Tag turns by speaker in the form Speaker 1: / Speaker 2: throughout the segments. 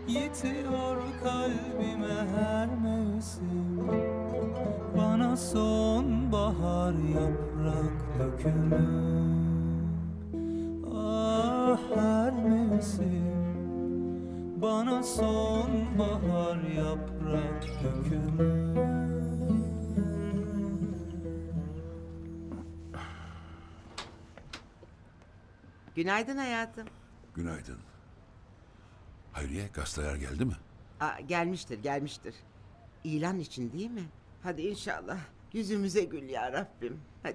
Speaker 1: Yitiyor kalbime her mevsim. Bana sonbahar yaprak dökümü. Ah her mevsim. Bana sonbahar yaprak dökümü.
Speaker 2: Günaydın hayatım.
Speaker 3: Günaydın. Hayriye, gazeteler geldi mi?
Speaker 2: Gelmiştir. İlan için değil mi? Hadi inşallah. Yüzümüze gül ya Rabbim. Hadi.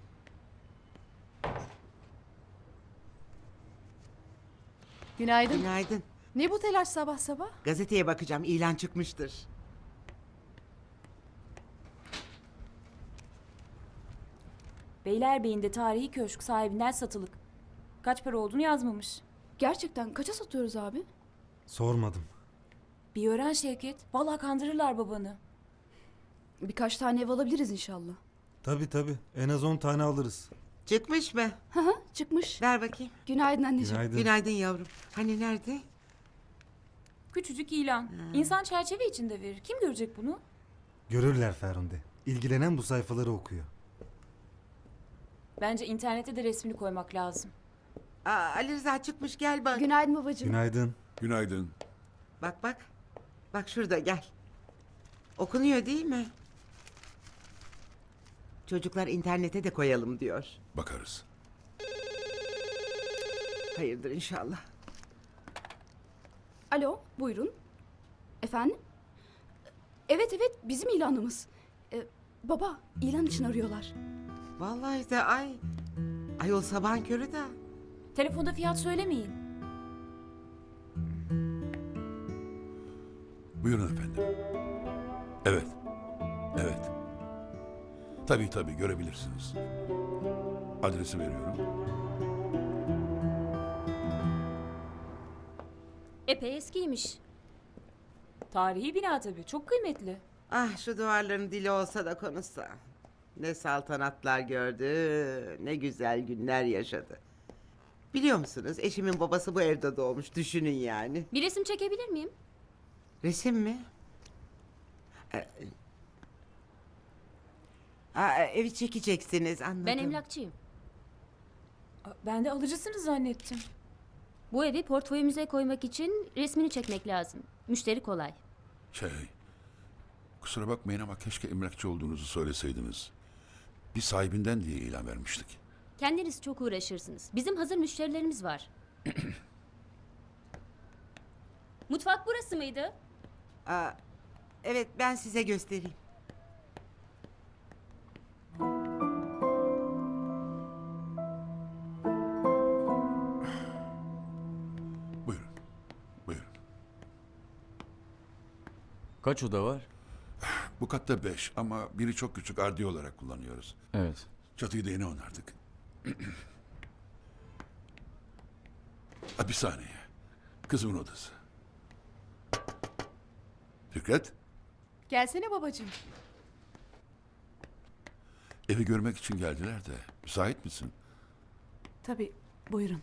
Speaker 4: Günaydın.
Speaker 2: Günaydın.
Speaker 4: Ne bu telaş sabah sabah?
Speaker 2: Gazeteye bakacağım. İlan çıkmıştır.
Speaker 5: Beylerbeyi'nde tarihi köşk sahibinden satılık. Kaç para olduğunu yazmamış.
Speaker 4: Gerçekten kaça satıyoruz abi?
Speaker 6: Sormadım.
Speaker 5: Bir öğren Şevket. Vallahi kandırırlar babanı.
Speaker 4: Birkaç tane ev alabiliriz inşallah.
Speaker 6: Tabii. En az 10 tane alırız.
Speaker 2: Çıkmış mı?
Speaker 4: Hı hı, çıkmış.
Speaker 2: Ver bakayım.
Speaker 4: Günaydın anneciğim.
Speaker 6: Günaydın.
Speaker 2: Günaydın yavrum. Hani nerede?
Speaker 5: Küçücük ilan. İnsan çerçeve içinde verir. Kim görecek bunu?
Speaker 6: Görürler Ferhunde. İlgilenen bu sayfaları okuyor.
Speaker 5: Bence internete de resmini koymak lazım.
Speaker 2: Ali Rıza çıkmış, gel bak.
Speaker 4: Günaydın babacığım.
Speaker 6: Günaydın.
Speaker 3: Günaydın.
Speaker 2: Bak. Bak şurada, gel. Okunuyor değil mi? Çocuklar internete de koyalım diyor.
Speaker 3: Bakarız.
Speaker 2: Hayırdır inşallah.
Speaker 4: Alo, buyurun. Efendim? Evet, bizim ilanımız. Baba, ilan için arıyorlar.
Speaker 2: Vallahi de ayol sabahın körü de.
Speaker 5: Telefonda fiyat söylemeyin.
Speaker 3: Buyurun efendim. Evet. Tabii görebilirsiniz. Adresi veriyorum.
Speaker 5: Epey eskiymiş. Tarihi bina tabii. Çok kıymetli.
Speaker 2: Ah şu duvarların dili olsa da konuşsa. Ne saltanatlar gördü, ne güzel günler yaşadı. Biliyor musunuz, eşimin babası bu evde doğmuş, düşünün yani.
Speaker 5: Bir resim çekebilir miyim?
Speaker 2: Resim mi? Evi çekeceksiniz, anladım.
Speaker 7: Ben emlakçıyım.
Speaker 5: Ben de alıcısınız zannettim.
Speaker 7: Bu evi portföyümüze koymak için resmini çekmek lazım. Müşteri kolay.
Speaker 3: Kusura bakmayın ama keşke emlakçı olduğunuzu söyleseydiniz. Bir sahibinden diye ilan vermiştik.
Speaker 7: Kendiniz çok uğraşırsınız. Bizim hazır müşterilerimiz var. Mutfak burası mıydı?
Speaker 2: Evet, ben size göstereyim.
Speaker 3: Buyurun.
Speaker 8: Kaç oda var?
Speaker 3: Bu katta 5 ama biri çok küçük, ardiye olarak kullanıyoruz.
Speaker 8: Evet.
Speaker 3: Çatıyı da yeni onardık. Bir saniye. Kızımın odası. Fikret,
Speaker 4: Gelsene babacığım.
Speaker 3: evi görmek için geldiler de. Müsait misin?
Speaker 4: Tabii, buyurun.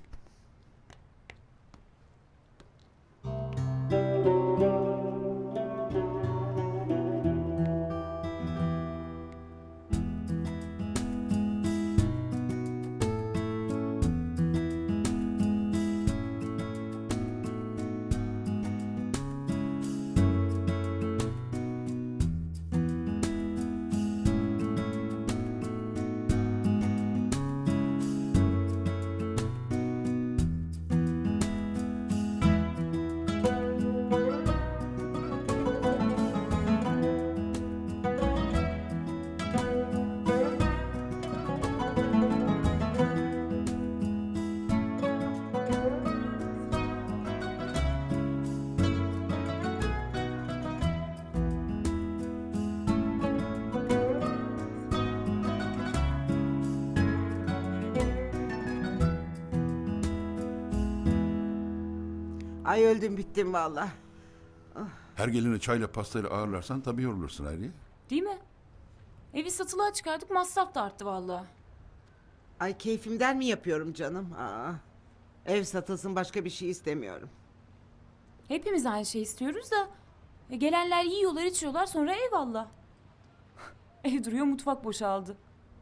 Speaker 2: Ay öldüm bittim vallahi.
Speaker 3: Her gelini çayla pastayla ağırlarsan tabii yorulursun Hayriye.
Speaker 5: Değil mi? Evi satılığa çıkardık, masraf da arttı vallahi.
Speaker 2: Ay keyfimden mi yapıyorum canım? Ev satılsın, başka bir şey istemiyorum.
Speaker 5: Hepimiz aynı şey istiyoruz da gelenler yiyorlar içiyorlar sonra eyvallah. Ev duruyor mutfak boşaldı.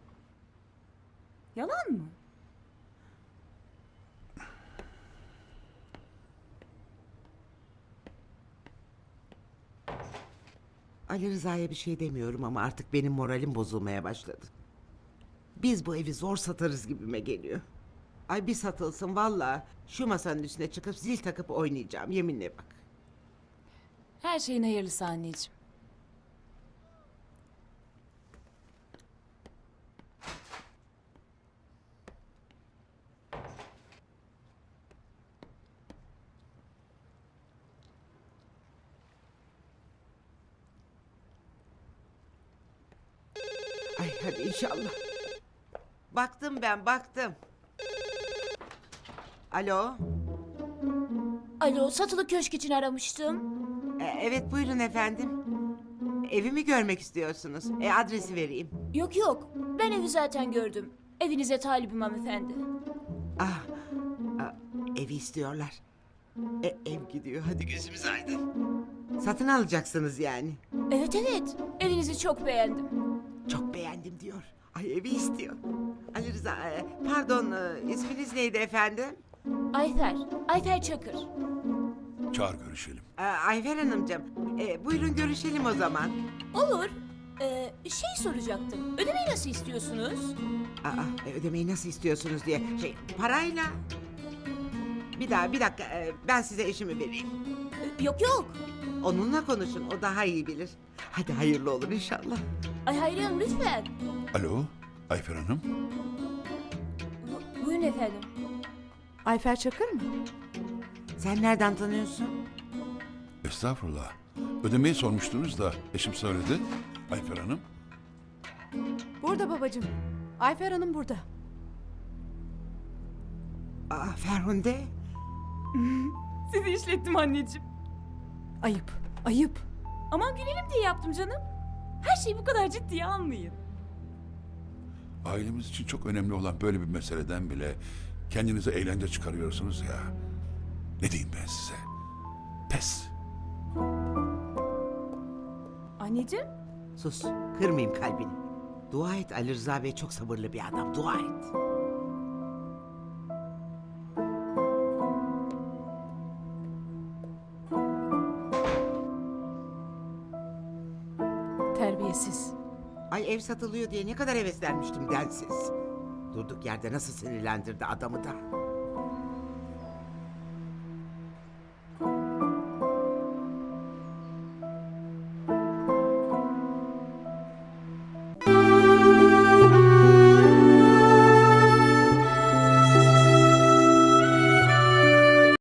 Speaker 5: Yalan mı?
Speaker 2: Ali Rıza'ya bir şey demiyorum ama artık benim moralim bozulmaya başladı. Biz bu evi zor satarız gibime geliyor. Ay bir satılsın vallahi şu masanın üstüne çıkıp zil takıp oynayacağım yeminle bak.
Speaker 5: Her şeyin hayırlısı anneciğim.
Speaker 2: Ay hadi inşallah. Baktım ben baktım. Alo.
Speaker 8: Alo, satılı köşk için aramıştım.
Speaker 2: Evet buyurun efendim. Evimi görmek istiyorsunuz. Adresi vereyim.
Speaker 8: Yok yok, ben evi zaten gördüm. Evinize talibim hanımefendi.
Speaker 2: Ah, evi istiyorlar. Ev gidiyor hadi gözümüz aydın. Satın alacaksınız yani.
Speaker 8: Evet evet, evinizi çok beğendim.
Speaker 2: Çok beğendim diyor. Ay evi istiyor. Ali Rıza pardon isminiz neydi efendim?
Speaker 8: Ayfer Çakır.
Speaker 3: Çağır görüşelim.
Speaker 2: Ayfer Hanımcığım buyurun görüşelim o zaman.
Speaker 8: Olur. Şey soracaktım, ödemeyi nasıl istiyorsunuz?
Speaker 2: Ödemeyi nasıl istiyorsunuz diye. Parayla. Bir dakika ben size eşimi vereyim.
Speaker 8: Yok yok.
Speaker 2: Onunla konuşun o daha iyi bilir. Hadi hayırlı olur inşallah.
Speaker 8: Ay Hayriye Hanım lütfen.
Speaker 3: Alo, Ayfer Hanım.
Speaker 8: Buyurun efendim.
Speaker 4: Ayfer Çakır mı?
Speaker 2: Sen nereden tanıyorsun?
Speaker 3: Estağfurullah. Ödemeyi sormuştunuz da eşim söyledi. Ayfer Hanım.
Speaker 4: Burada babacığım. Ayfer Hanım burada.
Speaker 2: Ferhunde.
Speaker 5: Sizi işlettim anneciğim.
Speaker 4: Ayıp, ayıp.
Speaker 5: Aman gülelim diye yaptım canım. Her şeyi bu kadar ciddiye almayın.
Speaker 3: Ailemiz için çok önemli olan böyle bir meseleden bile kendinize eğlence çıkarıyorsunuz ya. Ne diyeyim ben size? Pes.
Speaker 5: Anneciğim?
Speaker 2: Sus kırmayayım kalbini. Dua et Ali Rıza Bey çok sabırlı bir adam dua et.
Speaker 4: Terbiyesiz.
Speaker 2: Ay ev satılıyor diye ne kadar heveslenmiştim densiz. Durduk yerde nasıl sinirlendirdi adamı da.